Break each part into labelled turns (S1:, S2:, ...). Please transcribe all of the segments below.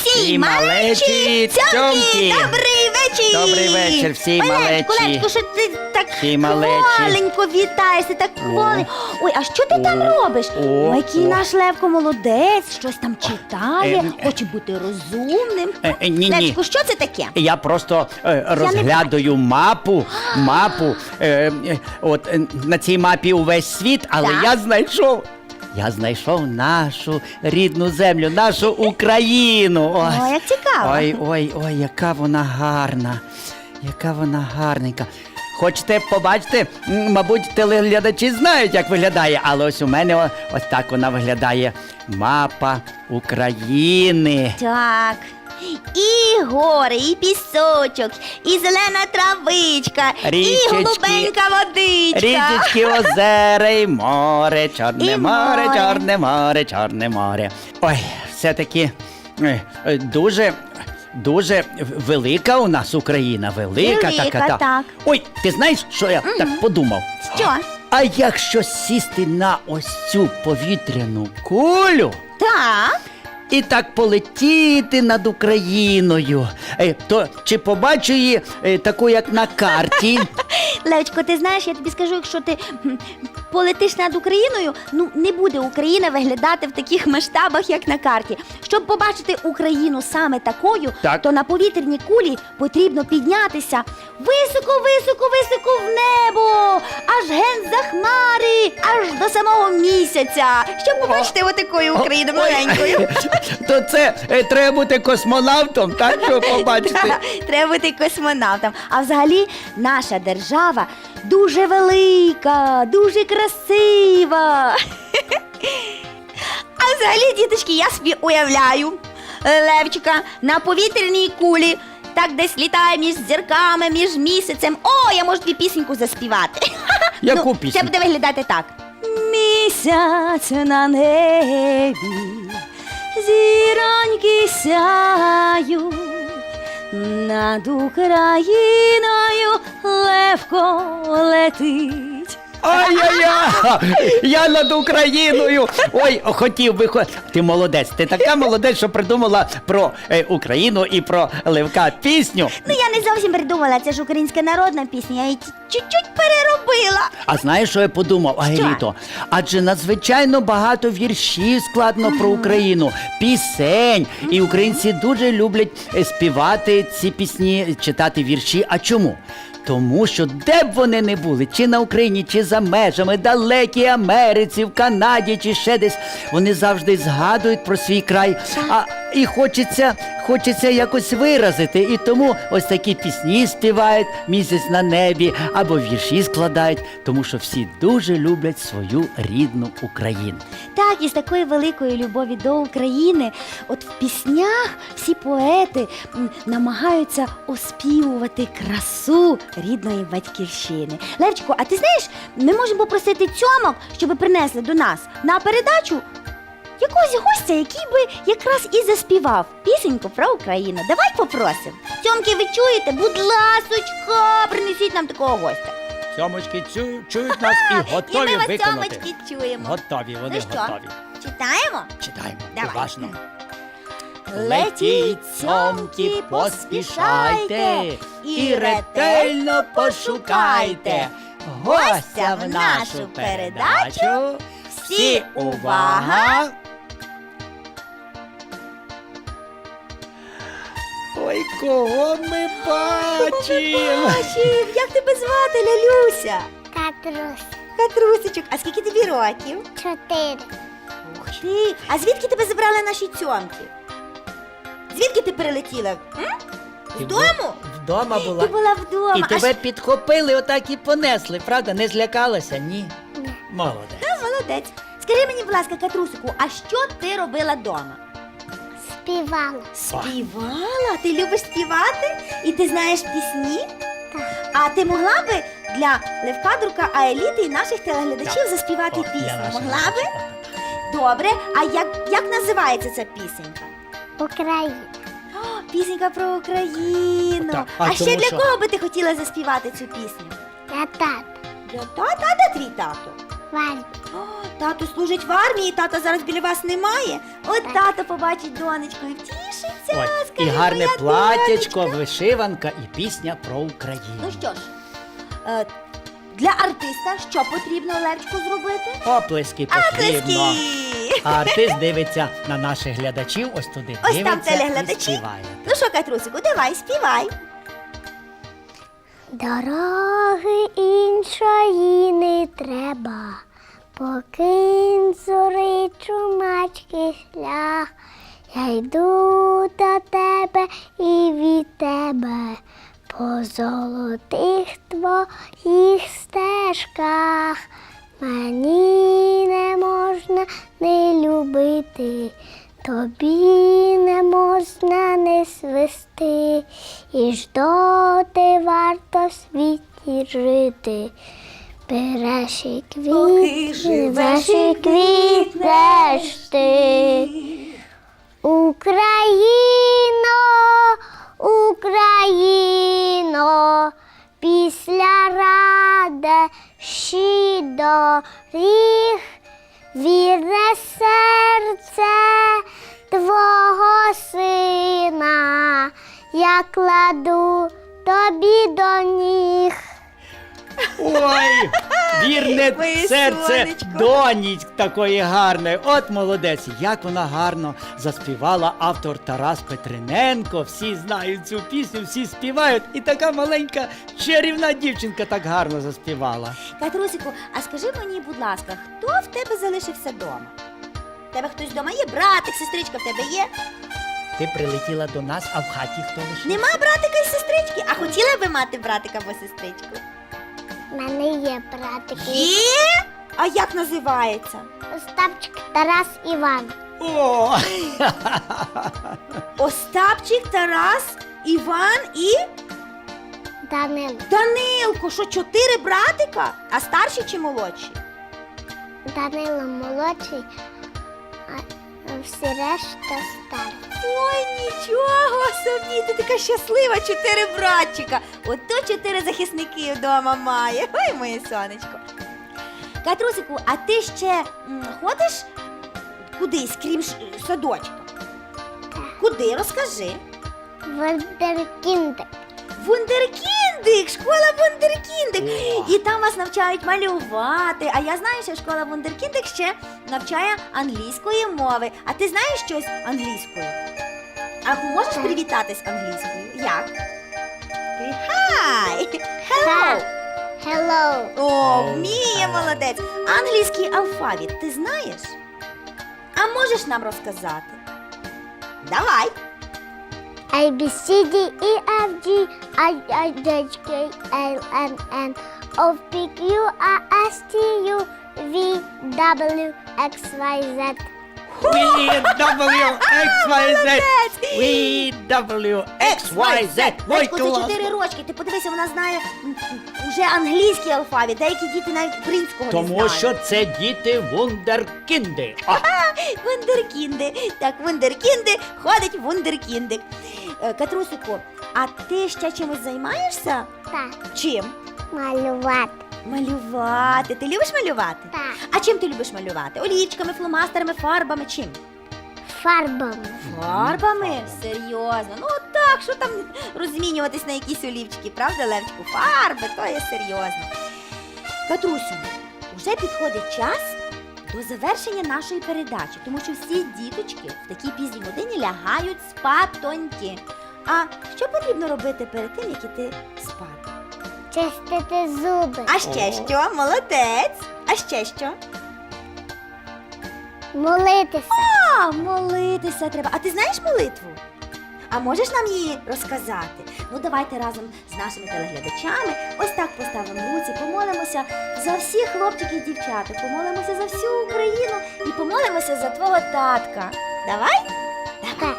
S1: всій малечі, цьомки! Добрий вечір!
S2: Добрий вечір всій малечі!
S1: Левчику, що ти так
S2: Всій малечі.
S1: хваленько вітаєшся, так хваленько. Ой, а що ти там робиш? Ой, який наш Левко молодець, щось там читає, хоче бути розумним.
S2: Ні.
S1: Левчику, що це таке?
S2: Я просто розглядаю мапу. На цій мапі увесь світ, але
S1: Так.
S2: я знайшов нашу рідну землю, нашу Україну.
S1: Ой, як цікаво.
S2: Ой, яка вона гарна, яка вона гарненька. Хочете побачити? Мабуть, телеглядачі знають, як виглядає, але ось у мене ось так вона виглядає. Мапа України.
S1: Так. І гори, і пісочок, і зелена травичка,
S2: Річечки.
S1: і голубенька водичка.
S2: Річечки, озера і море, Чорне
S1: І
S2: море,
S1: море.
S2: Чорне море, Чорне море. Ой, все-таки дуже велика у нас Україна, велика
S1: Велика,
S2: така.
S1: так.
S2: Ой, ти знаєш, що я так подумав?
S1: Що?
S2: А якщо сісти на ось цю повітряну кулю
S1: Так.
S2: і так полетіти над Україною, то чи побачу її таку, як на карті?
S1: Левчко, ти знаєш, я тобі скажу, якщо ти полетиш над Україною, не буде Україна виглядати в таких масштабах, як на карті. Щоб побачити Україну саме такою,
S2: Так.
S1: то на повітряній кулі потрібно піднятися високо в небо, аж ген за хмари, аж до самого місяця, щоб побачити отакою Україну маленькою.
S2: То це треба бути космонавтом, так, щоб побачити?
S1: Треба бути космонавтом. А взагалі наша держава дуже велика, дуже красива. А взагалі, діточки, я собі уявляю Левчика на повітряній кулі, так десь літає між зірками, між місяцем. О, я можу тобі пісеньку заспівати.
S2: Яку
S1: Це
S2: пісню?
S1: буде виглядати так. Місяць на небі, зіроньки сяють, над Україною левко летить.
S2: Ай-яй-яй! Я над Україною! Ой, хотів би... Ти молодець, ти така молодець, що придумала про Україну і про Левка пісню.
S1: Я не зовсім придумала, це ж українська народна пісня, я її чуть-чуть переробила.
S2: А знаєш, що я подумав, Агеліто? Адже надзвичайно багато віршів складно про Україну, пісень. І українці дуже люблять співати ці пісні, читати вірші. А чому? Тому що де б вони не були, чи на Україні, чи за межами, далекій Америці, в Канаді, чи ще десь, вони завжди згадують про свій край. І хочеться якось виразити. І тому ось такі пісні співають «Місяць на небі» або вірші складають, тому що всі дуже люблять свою рідну Україну.
S1: Так, і з такої великої любові до України, от в піснях всі поети намагаються оспівувати красу рідної батьківщини. Левчику, а ти знаєш, ми можемо попросити цьомок, щоб принесли до нас на передачу якогось гостя, який би якраз і заспівав пісеньку про Україну. Давай попросимо. Цьомки, ви чуєте? Будь ласочка, принесіть нам такого гостя.
S2: Цьомочки чують нас і готові
S1: І ми вас,
S2: виконати.
S1: цьомочки, чуємо.
S2: Готові, вони
S1: Ну що,
S2: готові.
S1: читаємо?
S2: Читаємо,
S1: Давай.
S2: уважно.
S1: Летіть, цьомки, поспішайте і ретельно пошукайте гостя в нашу передачу. Всі увага!
S2: Ой, кого ми бачимо?
S1: Бачив, як тебе звати, Лялюся?
S3: Катрус.
S1: Катрусечок, а скільки тобі років?
S3: 4.
S1: Ух ти, а звідки тебе забрали наші цьомки? Звідки ти перелетіла? З дому?
S2: Вдома була.
S1: Ти була вдома.
S2: І
S1: А
S2: тебе підхопили, отак і понесли, правда? Не злякалася? Ні? Молодець.
S1: молодець. Скажи мені, будь ласка, Катрусику, а що ти робила вдома?
S3: Співала.
S1: Співала? Ти любиш співати? І ти знаєш пісні?
S3: Так.
S1: А ти могла би для Левка Друка, Аеліти і наших телеглядачів заспівати пісню? Могла би? Добре. А як називається ця пісенька?
S3: Україна.
S1: О, пісенька про Україну.
S2: Так,
S1: А ще
S2: тому
S1: для
S2: що-
S1: кого би ти хотіла заспівати цю пісню?
S3: Я тат.
S1: Для тата? А де твій тато?
S3: Вальбі.
S1: О, тато служить в армії, тата зараз біля вас немає. От
S3: Так.
S1: тато побачить донечку і втішиться. Тішиться,
S2: Ой,
S1: скажи,
S2: і гарне
S1: моя
S2: платячко,
S1: донечка.
S2: вишиванка і пісня про Україну.
S1: Ну що ж, для артиста що потрібно, Левчику, зробити?
S2: Оплески потрібно.
S1: Оплески!
S2: А артист дивиться на наших глядачів, ось туди
S1: Ось
S2: дивиться
S1: там телеглядачі.
S2: і співає.
S1: Ну що, Катрусику, давай, співай.
S3: Дороги іншої не треба, покинь зори чумацький шлях. Я йду до тебе і від тебе по золотих твоїх стежках. Мені не можна не любити, тобі не можна не свисти, і ж доти варто в світі жити. Береш і
S1: Поки живеш
S3: береш
S1: і
S3: і квітнеш ти. Україно, Україно, після радощі доріг, вірне серце твого сина, я кладу тобі до ніг.
S2: Ой, вірне
S1: Моє
S2: серце
S1: сонечко.
S2: доні такої гарної. От молодець, як вона гарно заспівала автор Тарас Петриненко. Всі знають цю пісню, всі співають. І така маленька чарівна дівчинка так гарно заспівала.
S1: Катрусику, а скажи мені, будь ласка, хто в тебе залишився вдома? В тебе хтось вдома є? Братик, сестричка в тебе є?
S2: Ти прилетіла до нас, а в хаті хто лишився?
S1: Нема братика і сестрички? А хотіла би мати братика або сестричку?
S3: У мене є братики.
S1: Є? А як називається?
S3: Остапчик, Тарас, Іван.
S2: О!
S1: Остапчик, Тарас, Іван і
S3: Данило.
S1: Данилко. Що, 4 братика? А старші чи молодші?
S3: Данило молодший, а всі решта старі.
S1: Ой, нічого собі, ти така щаслива, 4 братчика. Ото 4 захисники вдома має. Ой, моє сонечко. Катрусику, а ти ще ходиш кудись, крім садочка? Куди? Розкажи.
S3: Вундеркіндик.
S1: Вундеркіндик, школа Вундеркіндик.
S2: О.
S1: І там вас навчають малювати. А я знаю, що школа Вундеркіндик ще навчає англійської мови. А ти знаєш щось англійською? А можеш привітатись англійською? Як? Hi! Hello!
S3: Hello.
S1: О, вміє, молодець. Англійський алфавіт ти знаєш? А можеш нам розказати? Давай.
S3: A, B, C, D, E, F, G, I, J, K, L, M, N, O, P, Q, R, S, T, U, V, W, X, Y, Z.
S2: WXYZ! WXYZ! Ой,
S1: Лечко, це 4 рочки. Ти подивися, вона знає вже англійський алфавіт. Деякі діти навіть українського не
S2: Тому
S1: знають.
S2: що це діти вундеркінди. А,
S1: Вундеркінди. Так, вундеркінди ходить вундеркіндик. Катрусику, а ти ще чимось займаєшся?
S3: Так,
S1: Чим?
S3: малювати.
S1: Малювати. Ти любиш малювати?
S3: Так,
S1: А чим ти любиш малювати? Олівчиками, фломастерами, фарбами, чим?
S3: фарбами.
S1: Фарбами? Серйозно. Ну от так, що там розмінюватись на якісь олівчики, правда, Левчику? Фарби, то є серйозно. Катрусю, вже підходить час до завершення нашої передачі, тому що всі діточки в такій пізній годині лягають спатоньки. А що потрібно робити перед тим, як іти спати?
S3: Чистити зуби.
S1: А ще що? Молодець! А ще що?
S3: Молитися.
S1: А, молитися треба. А ти знаєш молитву? А можеш нам її розказати? Ну, давайте разом з нашими телеглядачами ось так поставимо руці, помолимося за всіх хлопчиків і дівчаток, помолимося за всю Україну і помолимося за твого татка. Давай?
S3: Так.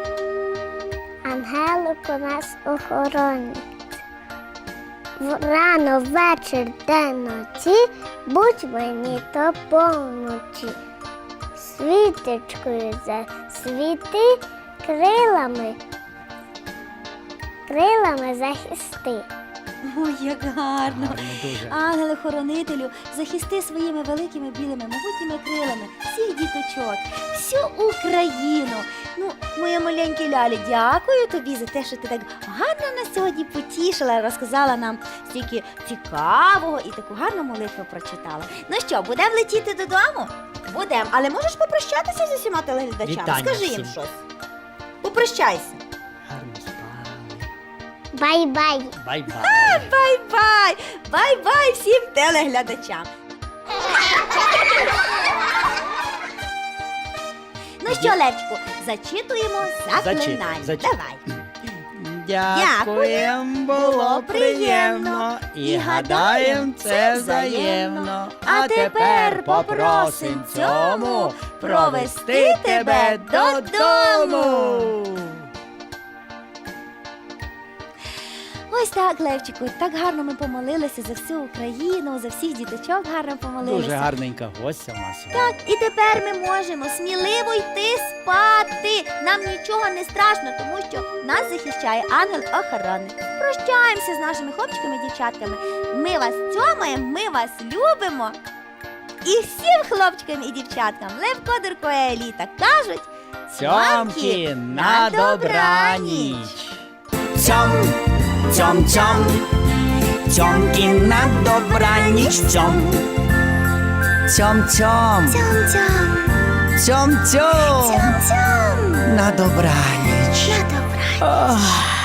S3: Ангелик у нас охоронець. Рано, вечір, день, ночі, будь мені то помочі. Світочкою засвіти, крилами захисти.
S1: Ой, як гарно.
S2: Гарно дуже.
S1: Ангеле-хоронителю, захисти своїми великими білими могутніми крилами всіх діточок, всю Україну. Ну, моя маленькі Лялі, дякую тобі за те, що ти так гарно нас сьогодні потішила, розказала нам стільки цікавого і таку гарну молитву прочитала. Ну що, будемо летіти додому? Будемо. Але можеш попрощатися з усіма телеглядачами?
S2: Вітання
S1: Скажи їм
S2: всім.
S1: щось. Попрощайся.
S2: Гарно спали.
S3: Bye-bye.
S2: Бай-бай.
S1: Бай-бай! Бай-бай всім телеглядачам! Ну що, Левчику, зачитуємо заклинання.
S2: зачитуй.
S1: Давай.
S2: Дякуєм, було приємно, і гадаєм, це взаємно. А тепер попросим цьому провести тебе додому.
S1: Ось так, Левчику, так гарно ми помолилися за всю Україну, за всіх діточок гарно помолилися.
S2: Дуже гарненька гостя в нас.
S1: Так, і тепер ми можемо сміливо йти спати. Нам нічого не страшно, тому що нас захищає ангел-охоронник. Прощаємося з нашими хлопчиками і дівчатками. Ми вас цьомаємо, ми вас любимо. І всім хлопчикам і дівчаткам Левко, Дурко і Еліта кажуть
S2: Цьомки на добраніч.
S4: Цьом, цьом, цьом, цьомки на добраніч, цьом. Цьом, цьом, цьом, цьом, на добраніч.
S3: На добраніч.
S4: Ох.